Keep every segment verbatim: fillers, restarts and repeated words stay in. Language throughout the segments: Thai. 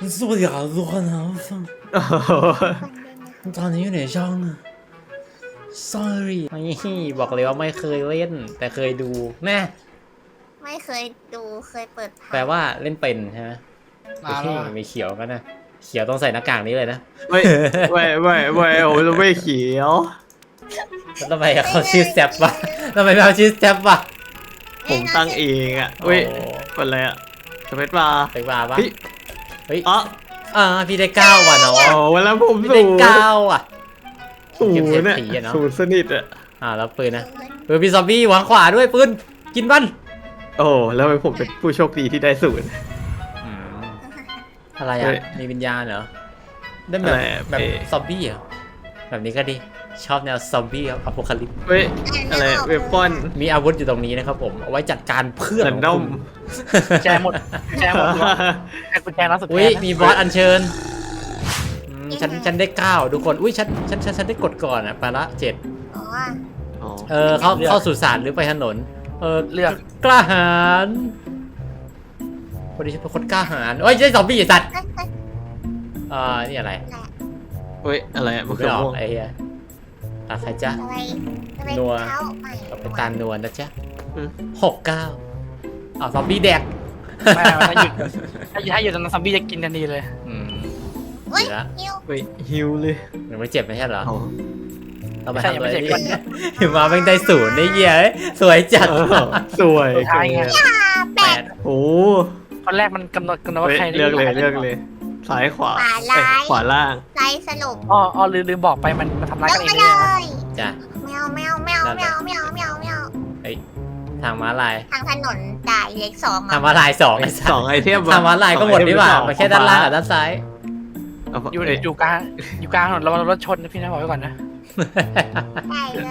สวัสดีครับทุกคนครับตอนนี้อยู่ในช่อง sorry นี่บอกเลยว่าไม่เคยเล่น แต่เคยดูแน่ไม่เคยดูเคยเปิดผ่านแปลว่าเล่นเป็นใช่ไหมมาแล้วมีเขียวกันนะเขียวต้องใส่หน้ากากนี้เลยนะไม่ไม่ไม่ไม่โอ้ยไม่เขียวแล้วทำไมเขาชื่อแซบวะทำไมเขาชื่อแซบวะผมตั้งเองอ่ะเว้ยโอ้เป็นอะไรอ่ะสเปซบาร์ไปบ้าปะพี่เฮ้ยอ๋ออ่าพี่ได้เก้าว่ะน้องโอ้เวลาผมพี่สูได้งเก้าอ่ะสูงเก็บเศษเนี่ยสีอะเนาะสูงสนิทอ่ะอ่าแล้วปืนนะปืนพี่ซอมบี้วางขวาด้วยปืนกินบ้านโอ้แล้วผมเป็นผู้โชคดีที่ได้ศูนย์อะไรเฮ้อ่ะยมีวิญญาณเหรอได้แบบอะไรอะแบบเอ๊ะซอมบี้เหรอแบบนี้ก็ดีชอบแนวซอมบี้ครับอโพคาลิปเว้ยอะไรเวปอนมีอาวุธอยู่ตรงนี้นะครับผมเอาไว้จัดการเพื่อนแรขนองดอคุมณแจหมดแจหมดแจกุญแจร้านสุดอุ้ยท้ายนะมีบอสอัญเชิญอืมฉันฉันได้เก้าทุกคนอุ้ยฉันฉันฉันฉันได้กดก่อนอ่ะไปละเจ็ดอ๋ออ๋อเออเข้าเข้าสู่ศาลหรือไปถนนเออเลือกกล้าหาญพอดีฉันเป็นคนกล้าหาญเอ้ยได้ซอมบี้ไอ้สัตว์เอ้ยเอ้ยอ่านี่อะไรอะไรเว้ยอะไรอ่ะมันไม่คือออม่วกงไอ้เหี้ยตาใครจ๊ะอะไรอะไรนัวเท้าใหม่ต่อไปตาลนวลนะจ๊ะอืมหกเก้าอ้าวซอมบี้แดกไม่ถ้าหยุดถ้าหยุดถ้าหยุดตอนนั้นซอมบี้จะกินทันทีเลยอืมอุ้ยดีละนิ้วเว้ยฮิวเลยยังไม่เจ็บไม่ใช่เหรออ๋อเราไปใช่ทำยังอะไรไม่เจ็บดีก่อนเนี่ยถึงมาเป็นได้ศูนย์ได้เหี้ยเอ้ยสวยจัดเออสวยสุดท้ายไงอ่าแปแปดดโอ้ตอนแรกมันกำหนดกำหนดว่าเว้ยใครเลือกเลยเลือกเลยซ้ายขวาขวาเอ้ยร้ายขวาล่างไล่สรุปอ๋ออ๋อลืมลืมบอกไปมันมันทำร้ายลกังนเองมาเลเลยนะยจ้ะแมวแมวแมวแมวแมวแมวแมวเฮ้ยทางม้าลายทางถนนจ่ายเล็กสองทางม้าลายสองไอ้สัสสองไอเทมทางม้าลายก็หมดดีกว่ามันแค่ด้านล่างกับด้านซ้ายเอาอยู่เอ้ยอยู่กลางอยู่กลางถนนระวังรถชนนะพี่นะบอกไว้ก่อนนะได้เลย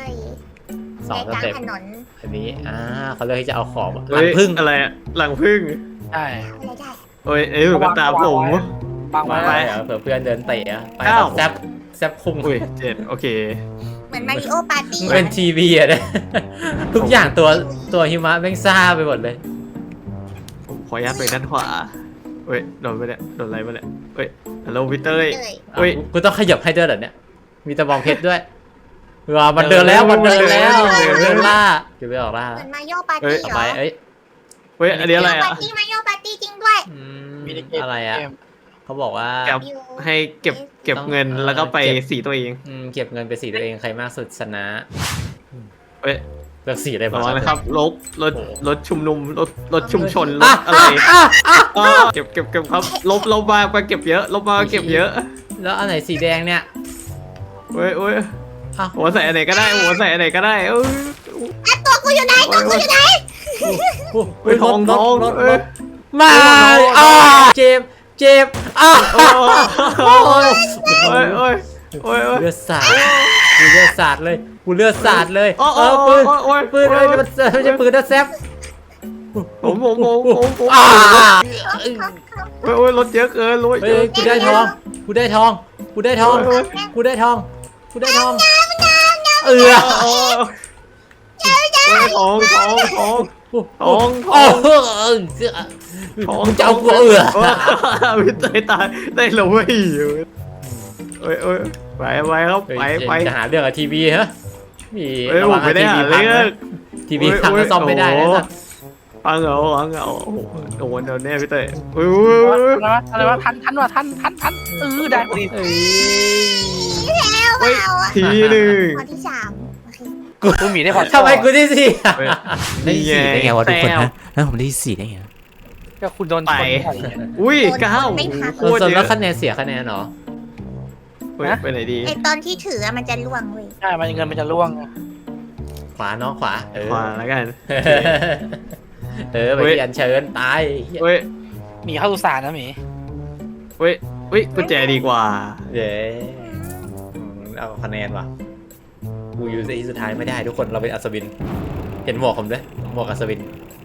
สองสในกลางเต็ปถนนอันนี้อ่าเขาเลือกที่จะเอาของหเฮ้ลัยงพึ่งอะไรอะหลังพึ่งใช่อะไรได้โอ้ยเอ้ยมันก็ตามผมวางไว้มาไปเหรอเผื่อเพื่อนเดินเตะอะไปเก้าแซบแซบคุมอุ้ยเจ็ดโอเคเหมือนมาริโอปาร์ตี้เป็นทีวีอะเนี่ยทุกอย่างตัวตัวหิมะแม่งซ่าไปหมดเลยผมขออนุญาตไปด้านขวาเฮ้ยโดนไปเนี่ยโดนอะไรมาเนี่ยเฮ้ยฮัลโหลวิเตอร์เลยเฮ้ยอ่ะกูต้องขยับให้ด้วยเหรอเนี่ย มีตะบองเพชรด้วยว้ามันเดินแล้ว มันเดินแล้วเดินแล้วเดินล่าเดี๋ยวไปออกล่าเหมือนมาริโอปาร์เอ้ตี้ยเหรไปอเอ้ยเฮ้ยอันนี้อะไรมาริโออะปาร์ตี้มาริโอปาร์ตี้จริงด้วยอืมมีในเกมอะไรอะเขาบอกว่าเก็บให้เก็บเก็บเงินแล้วก็ไปสีตัวเองอืมเก็บเงินไปสีตัวเองใครมากสุดชนะเฮ้ยเลือกสีอะไรระบ้างวังนะครับรถรถโอ้โหรถชุมนุมรถรถชุมชนรอ่ะถอะไรอ่ะอ่ะอ๋อเก็บเก็บเก็บครับลบลบมาไปเก็บเยอะลบมาเก็บเยอะแล้วอันไหนสีแดงเนี่ยเฮ้ยเฮ้ยอ้าวหัวใส่อันไหนก็ได้หัวใส่อันไหนก็ได้เอ้ยตัวกูอยู่ไหนตัวกูอยู่ไหนเฮ้ยทองรทถองรถเอ้รยถมาอ่าเจ็บเจ็บอ้าวโอ้ยโอ้ยโอ้ยโอ้ยโอ้ยเลือดสาดกูเลือดสาดเลยกูเลือดสาดเลยโอ้เอโอ้อปืนโอ้โอ้ยปืนเลยมันไม่ใช่ปืนนะแซฟผมผมผมผมผมอ่าโอ้ยโอ้ยรถเยอะเกินรถเฮ้เยยอะกูได้ทองกูได้ทองกูได้ทองเฮ้ยกูได้ทองกูได้ทองเออโอ้ยโอ้ยทองทองทองทองทโอ้องโหทองจะเอากูเออพี่เตยตายได้เลยเว้ยเอ้ยเอ้ยไปไปครับไปไปจะหาเรื่องกับทีวีฮะมีเอ้ยผมไม่ได้หาเรื่องทีวีพังก็ซ่อมไม่ได้นะฟังเหรอฟังเหรอโอ้โหโดนโดนแน่พี่เตยเฮ้ยอะไรวะอะไรวะทันทันวะทันทันทันเออได้พอดีเอ้ยแล้วเฮ้ยเราอะทีหนึ่งข้อที่สามโอเคกูหมีได้พอทำไมกูที่สี่เฮ้ยได้สี่ได้ไงวะทุกคนแต้วฮะแล้วผมได้สี่ได้ไงก็คุณโดนชนอุ้ยเก้าเออส่วนแล้วคะแนนเสียคะแนนเหรอเฮ้ยไปไหนดีไอตอนที่ถืออะมันจะล่วงเว้ยใช่มันเงินมันจะร่วงขวาน้องขวาเออขวาแล้วกันเออไปที่อันเชิญตายเฮ้ยหมีเข้าสุสานนะหมีเฮ้ยเฮ้ยกุญแจดีกว่าเย้เอาคะแนนว่ะกูอยู่ที่สุดท้ายไม่ได้ทุกคนเราเป็นอัศวินเห็นหมวกผมด้วยหมวกอัศวิน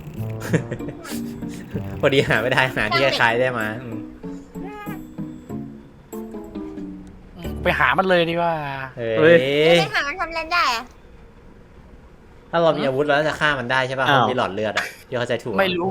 พอดีหาไม่ได้หาที่คล้ายๆได้มาอืมไปหามันเลยดีว่าเฮ้ยไม่หามันทำอะไรได้อะถ้าเรามีอาวุธแล้วจะฆ่ามันได้ใช่ป่ะอ้าวมันมีหลอดเลือดอ่ะที่เข้าใจถูกไม่รู้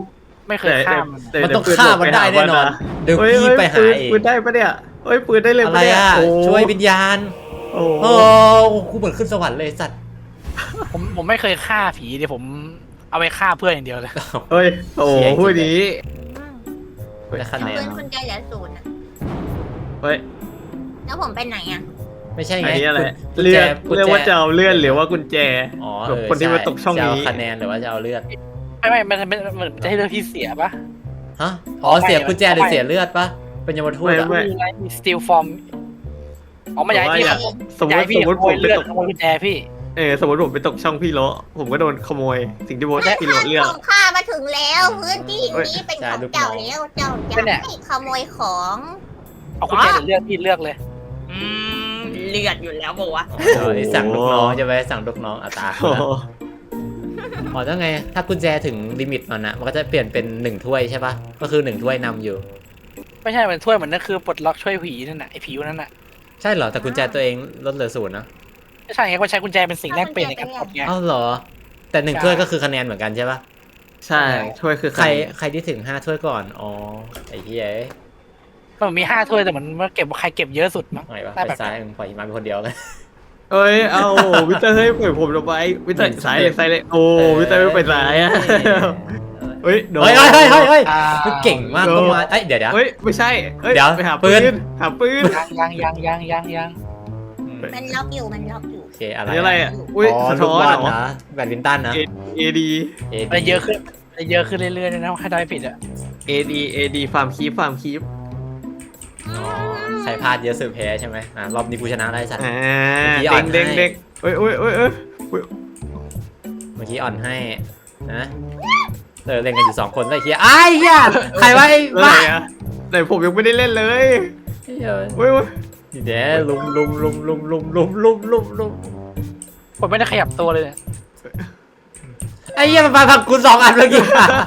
ไม่เคยฆ่ามันแต่มันต้องแต่ฆ่ามันได้แน่นอนเดี๋ยวเฮ้ยพี่เฮ้ยไปหาปืนเองปืนได้ปะเนี่ยเฮ้ยปืนได้เลยอะปะไรเนี่ยอ่ะโอ้ช่วยวิญญาณโอ้โอ้กูเหมือนขึ้นสวรรค์เลยสัตว์ผมผมไม่เคยฆ่าผีเดี๋ยวผมเอาไปฆ่าเพื่อนอย่างเดียวเลยเฮ้ยโอ้พูดนี้ได้คะแนนปืนคุณใจเหลือศูนย์อะเฮ้ยแล้วผมไปไหนอ่ะไม่ใช่อัไงนนี้อะไรกุญเลื่แจอนกุญเรียกแจว่าจะเอาเลื่อนหรือว่ากุญแจอ๋อแบบเออคนที่มาตกช่องจะนี้เอาคะแนนหรือว่าจะเอาเลือดไม่ไม่มันมันมันจะให้เลือกที่เสียปะฮะอ๋อเสียกุญแจหรือเสียเลือดปะเป็นยมทูตไม่อ่ะไม่มีไงมี steal from อ๋อมาย้ายพี่แต่ขว่าโมยสมมย้ายติพี่สมมติขโมผมยไปเลือดตกขโมยกุญแจพี่เออสมมติผมไปตกช่องพี่โลผมก็โดนขโมย สิ่งที่โบทพี่โลเลือกของข้ามาถึงแล้วพื้นที่นี้เป็นของเจ้าแล้วเจ้าจะไม่ขโมยของเอากุญแจหรือเลือกพี่เลือกเลยอืมเลือดอยู่แล้วบอกว่าอ๋อสั่งลูกน้องจะไปสั่งลูกน้องอัตราโอ้โหอ๋อถ้าไง ถ้ากุญแจถึงลิมิตมันนะมันก็จะเปลี่ยนเป็นหนึ่งถ้วยใช่ปะก็คือหนึ่งถ้วยนำอยู่ไม่ใช่เป็นถ้วยเหมือนนั่นคือปลดล็อกช่วยผีนั่นน่ะไอ้ผีนั่นน่ะใช่เหรอแต่กุญแจตัวเองลดเหลือศูนย์นะไม่ใช่ไงก็ใช้กุญแจเป็นสิ่งแรกเปลี่ยนในการกดไงเอ้าเหรอ แต่หนึ่งถ้วยก็คือคะแนนเหมือนกันใช่ปะใช่ช่วยคือใครใครที่ถึงห้าถ้วยก่อนอ๋อไอ้เหี้ยมันมีห้าถ้วยแต่มันมันเก็บใครเก็บเยอะสุดมั้งไหนวะได้ไปแบบซ้ายมึงปล่อยมาเป็นคนเดียวเลยเอ้ยเอาวิเตอร์เฮ้ยปล่อยผมลงไปวิเตอร์สายเลยสายเลยโอ้วิเตอร์ไม่ไปสายอะเฮ้ยโดนเฮ้ยเฮ้ยเฮ้ยเฮ้ยเฮ้ยอ่ามันเก่งมากก็มาเอ้ยเดี๋ยวเดี๋ยวเฮ้ยไม่ใช่เฮ้ยเดี๋ยวไปหาปืปืนนหาปืนยังยังยังยังยังยังมันล็อกอยู่มันล็อกอยู่โอเคอะไรอันนี้อะไรอ่ะอุ้ยอ๋อสะลูท้กอนบอลเหรอนะแบดมินตันนะเอดีเอมันเยอะขึ้นมันเยอะขึ้นเรื่อยๆเลยนะถ้าได้ผิดอ่ะเอดีเอดีฟาร์มคีฟฟาร์มคีฟอ๋อใครพลาดเยอะสุดแพ้ใช่ไหมอ่ะรอบนี้กูชนะได้สัตว์อ่าเมื่อกี้อ่เด้อนงให้เด้งเด้งเอ้ยเอ้ยเอ้ยเอ้ยเมื่อกี้อ่อนให้นะเออเล่นกันอยู่สองคนเลยเฮียไอ้เฮียใครวะไอ้อะไรบ้าอ่ะแต่ผมยังไม่ได้เล่นเลยเหี้ยเว้ยเว้ยเดี๋ยวลุมลุมลุมลุมลุมลุมลุมลุมลุมผมไม่ได้ขยับตัวเลยเนี่ยไอ้เหี้ยมันมาผักกูสองอันเมื่อกี้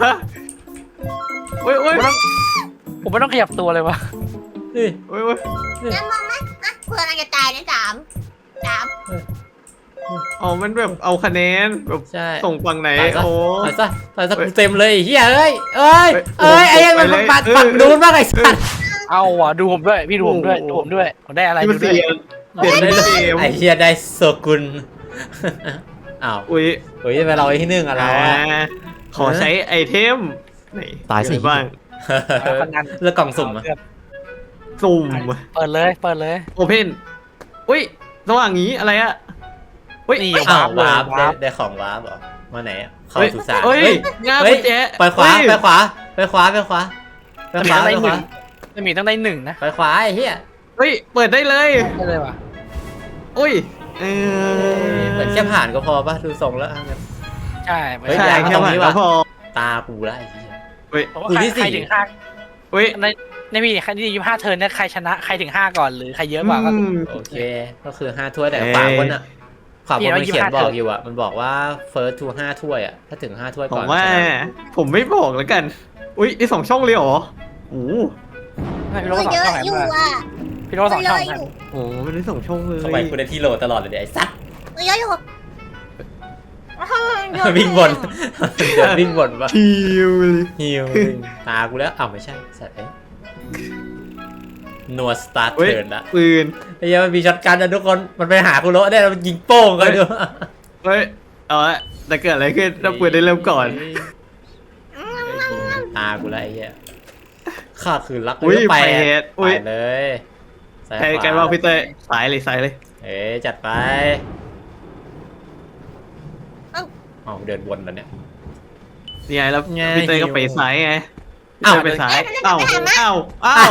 เว้ยเว้ยผมไม่ต้องขยับตัวเลยวะนี่เว้ยเว้ยนั่นมองไหมอ่ะเพื่อนมันจะตายในสามสามอ๋อมันแบบเอาคะแนนแบบใช่ส่งฝั่งไหนตายซะโอ้ตายซะตายซะกูเต็มเลยไอ้เฮียเอ้ยเอ้ยเฮ้ยเอ้ยไอ้ยังมันไปเลยปัดเออปัดดูนมากไอ้สัสเอาว่ะดูผมด้วยพี่ดูผมด้วยดูผมด้วยผมได้อะไรที่ดูมันด้วเสียยเปลี่ยนเป็นเกมไอ้เฮียได้โซกุลอ้าวอุ้ยเฮ้ยไปเราไอ้ที่หนึ่งอะเราอ่าอะขอใช้ไอเทมไหนตายสิมีอะไรบ้างคะแนนเลือกกล่องสุ่มอะสุ่มเปิดเลยเปิดเลยโอเพนอุ้ยระหว่างนี้อะไรอะอุ้ยนี่อ้าววาวาร์ร์ปปเลยได้วาร์ปได้ของวาร์ปเหรอมาไหนอะเข้าเฮ้ยสุสานเฮ้ยเฮ้ยงาเฮ้กุยญแจไปขวาเฮ้ยไปขวาไปขวาไปขวาไปขวาได้ไปหขนึ่วางจะมีต้องได้หนึ่งนะไปขวาไอ้เหี้ยเฮ้ยเปิดได้เลยได้เลยว่ะอุ้ยเออเหมือนแค่ผ่านก็พอป่ะดูทรงแล้วใช่ไม่เฮ้ยใช่ย้ายมาแค่ตรงผ่านนี้ก็ว่ะพอตากูแล้วไอ้เหี้ยเฮ้ยเพราะว่ากูที่ใครสี่ถึงห้าเฮ้ยในในมีใครที่ยี่ห้าเทิร์นเนี่ยใครชนะใครถึงห้าก่อนหรือใครเยอะกว่าก็อืมโอเคก็คือห้าถ้วยแต่เอ้ยขวาบนอะขวาบนมันพี่เขียนเอาบอกยี่สิบห้าอยู่อะมันบอกว่า first to ห้าถ้วยอะถ้าถึงห้าถ้วยผก่อมนว่าชนะผมไม่บอกแล้วกัน อุ้ยไอสองช่องเลยเหรอโอ้โหไม่พี่โรก็สองเยช่อะองไหนอยู่มาอ่ะพี่โรสองช่องเยไหนอะอยู่โอ้โหมันได้สองช่องเลยทำไมกูได้ที่โหลตลอดเลยเนี่ยไอ้สัสเยอะอยู่วิ่งบนเดี๋ยววิ่งบนปะทิวเลยฮิวตากูแล้วอ้าวไม่ใช่สัตว์เอ้ยนัวสตาร์ทเฮ้ยเทิร์นละปืนไอ้เหี้ยมันมีช็อตกันนะทุกคนมันไปหากูโลได้แล้วมันยิงโป้งกันดูเฮ้ยเอาละแต่เกิดอะไรขึ้นถ้าปืนได้เริ่มก่อนตากูแล้วไอ้เหี้ยข้าคือรักอุ้ยไปไปเหตุอุ้ยไปเลยซ้ายใครขวากันว่าพี่เต้ยสายเลยสายเลยเอ๊ะจัดไปเอาเดินวนแล้วเนี่ยนี่ไงแล้วไงพี่เต้ยก็ไปสายไงพี่อ้าวเต้ยไปสายเอ้าเอ้าเอ้า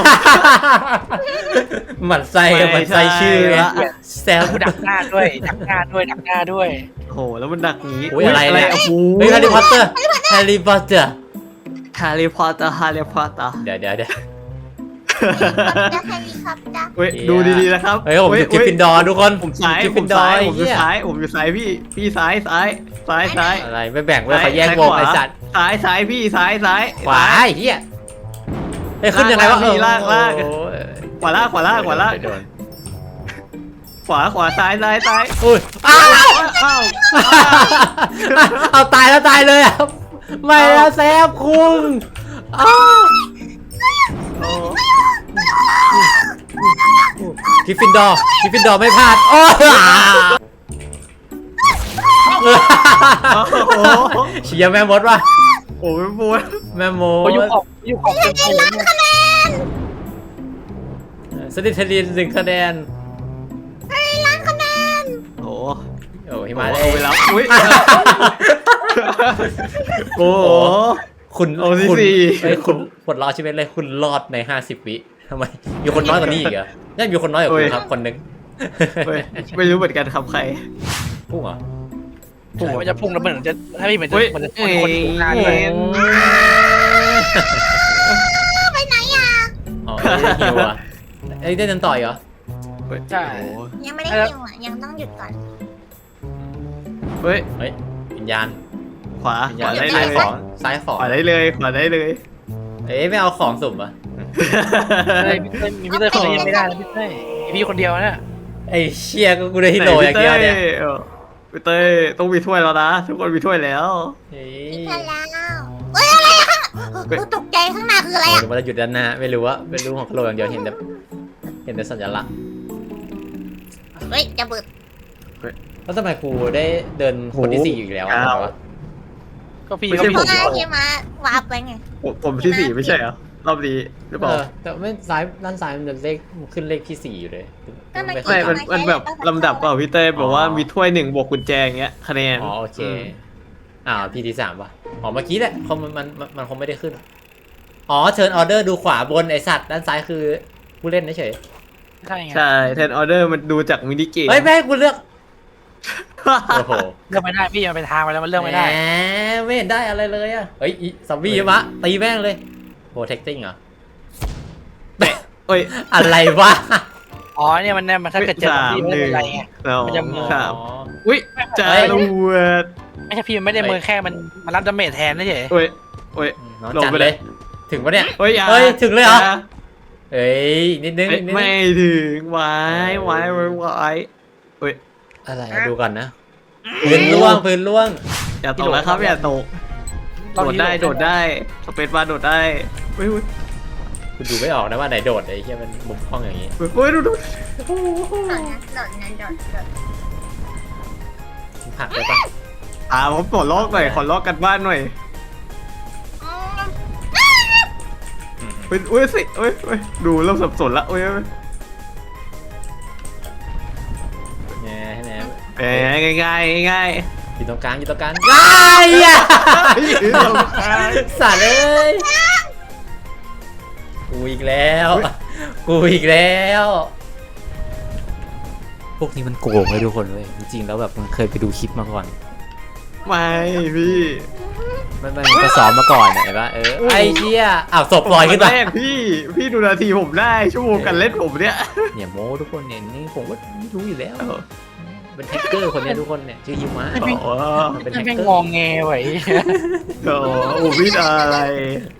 หมันไส้หมันไส้ชื่อไม่ใช่ละแซวกูดักหน้าด้วยดักหน้าด้วยดักหน้าด้วยโอ้โหแล้วมันดักงี้อุ๊ยอะไรเนี่ยโอ้โหเฮ้ยแฮร์รี่พอตเตอร์แฮร์รี่พอตเตอร์ฮาร์รี่พอตเตอร์ฮาร์รี่พอตเตอร์เดี๋ยวเดี๋ยวเดี๋ยวจะเฮลิคอปเตอร์เฮ้ยดูดีๆนะครับเฮ้ยผมอยู่กริฟฟินดอร์ทุกคนผมซ้ายกริฟผฟิมนดอซ้าร์ยผมอยู่เหี้ยซ้ายผมอยู่ซ้ายพี่พี่ซ้ายซ้ายซ้ายซ้ายอะไรไม่แบ่งไว้เขาแยกวงไอ้สัตว์ซ้ายซ้ายพี่ซ้ายซ้ายขวาไอ้เหี้ยเฮ้ยขึ้นยังไงวะลากลากโอ้ยขวาล่างขวาล่างขวาล่างไม่โดนขวาขวาซ้ายซ้ายซ้ายอุ้ยอ้าวอ้าวเอาตายแล้วตายเลยอ่ะไม่แล้วแซฟคุงอ้าวโอ้กริฟฟินดอร์กริฟฟินดอร์ไม่พลาดโอ้โหเชียร์แม่มดว่ะโอ้ยปวดแม่มโอ้ยอยู่ดขอบอยู่ขอบเป็นโถงเนี่ยสติทลินหนึ่งคะแนนโอ้โอ้หิมามาเลเลยยไปแล้วอุ้ยโอ้โหคุณโอ้ที่คุณสี่เอ้ยคุณปลดล็อกชีวิตเลยคุณรอดในห้าสิบวิทำไมมีคนน้อยกว่านี้อีกเหรอยังมีคนน้อยกว่าคุณครับคนหนึงเฮ้ยไม่รู้เหมือนกันครับใครพุ่งเหรอพุ่งมันจะพุ่งแล้วมันจะถ้าพี่เหมือนจะเฮ้ยมันจะคนคนถูกงานด้วยไปไหนอ่ะอ๋อได้ฮิวอ่ะเอ้ยได้เดินต่อยเหรอใช่โอ้โหยังไม่ได้ยิวอ่ะยังต้องหยุดก่อนเฮ้ยเฮ้ยวิญญาณขวาวิญขญาณวาได้ซ้าเลย ยของซ้ายของขวาได้เลยขวาได้เลยเอ้ยไม่เอาของสุ่มอ่ะเฮ้ยพี่เต้ยมีพี่เต้ยคนเดียวยังไม่ได้นะพี่เต้ยมีพี่คนเดียวนะไอ้เชี่ยก็กูได้ฮิโร่อย่างเดียวเนี่ยพี่เต้ยต้องมีถ้วยแล้วนะ ทุกคนมีถ้วยแล้วเฮ้พิยธาแล้วเฮ้ยอะไรอะกูตกใจข้างหน้าคืออะไรโอ้อ่ะเดี๋ยวมันจะหยุดด้านหน้าไม่รู้ว่าไม่รู้ของโลอย่างเดียวเห็นแต่เห็นแต่สัญลักษณ์เฮ้ยจะเบิดแล้วทำไมครูได้เดินคนที่สี่อยู่อีกแล้วอะอ้าววะก็พี่ไม่ก็ใช่พี่เพคราะนว่าเดียวเฮียมาวาร์ปไปไงผมผมที่สี่ไม่ใช่เหรอรอบนี้หรือเปเอล่าอแต่ไม่ซ้ายด้านซ้ายมันจะเลขขึ้นเลขที่สี่อยู่เลยก็มันไม่มันมันแบบลำดับเปล่าพี่เต้ยแบบว่ามีถ้วยหนึ่งบวกกุญแจอย่างเงี้ยคะแนนอ๋อโอเคอ้าวพี่ที่สามป่ะอ๋อเมื่อกี้แหละเขามันมันมันมันคงไม่ได้ขึ้นอ๋อเชิญออเดอร์ดูขวาบนไอสัตว์ด้านซ้ายคือผู้เล่นเฉยใช่ไงใช่แทนออเดอร์มันดูจากมินิเกมเฮ้ยแม่ให้กูเลือกโอ้โหเลือกไม่ได้พี่มันเป็นทางไปแล้วมันเลือกไม่ได้แหไม่เห็นได้อะไรเลยอ่ะเฮ้ยอีซอมบี้มะตีแม่งเลยโปรเทคติ้งเหรอเอ้ยอะไรวะอ๋อเนี่ยมันเนี่ยมันถ้าเกิดเจอสามพี่ไม่หนึ่เป็นงไรไงสองมันจะมือสามอุ้ยจารวดไม่ใช่พี่มันไม่ได้มือแค่มันมันรับดาเมจแทนเฉยเอ้ยเอ้ยน้องลงจัดไปเลเลย ยถึงปะเนี่ยเฮ้ยอย่าเฮ้ยถึงเลยเหรอาเฮ้ยนิดนึงเอ้ยนิดนึงไม่ถึงไว้ไว้ไว้ไว้เอ้ยอะไรอะดูก่อนนะพื้นล่วงพื้นล่วงอย่าตกนะครับอย่าตกๆโดดได้โดดได้สเปซบาร์โดดได้เฮ้ยเฮ้ยคุณดูไม่ออกนะว่าไหนโดดไอ้เหี้ยมันมุมห้องอย่างงี้เฮ้ยดูดูโดดนะโดดนะโดดโดดผักได้ปะอ่าผมปลดล็อกหน่อยขอล็อกกันบ้านหน่อยอืมเฮ้ยเฮ้ยสิเฮ้ยเฮ้ยดูเริ่มสับสนละเฮ้ยเฮ้ยแง่ให้แน่เอ้ยง่ายง่ายง่ายอยู่ตรงกลางอยู่ตรงกลางไอ้ยะ สัตว์เอ้ยกูอีกแล้วกูอีกแล้ว พวกนี้มันโกงเลยทุกคนเว้ยจริงๆแล้วแบบมันเคยไปดูคลิปมาก่อนไม่พี่มันมันก็ซ้อมมาก่อนอะเห็นปะเออไอ้เชี่ยอ้าวศพลอยขึ้นมาแรกพี่พี่ดูนาทีผมได้ชั่วโมงกันเล่นผมเนี่ยเนี่ยโม้ทุกคนเนี่ยนี่ผมก็รู้อยู่แล้วเป็นแฮกเกอร์คนเนี้ยทุกคนเนี่ยชื่อยิมะโอ้โหมันเป็นแฮไม่กแม่งเกอร์งองแงไว้โอ้โหพี่อะไร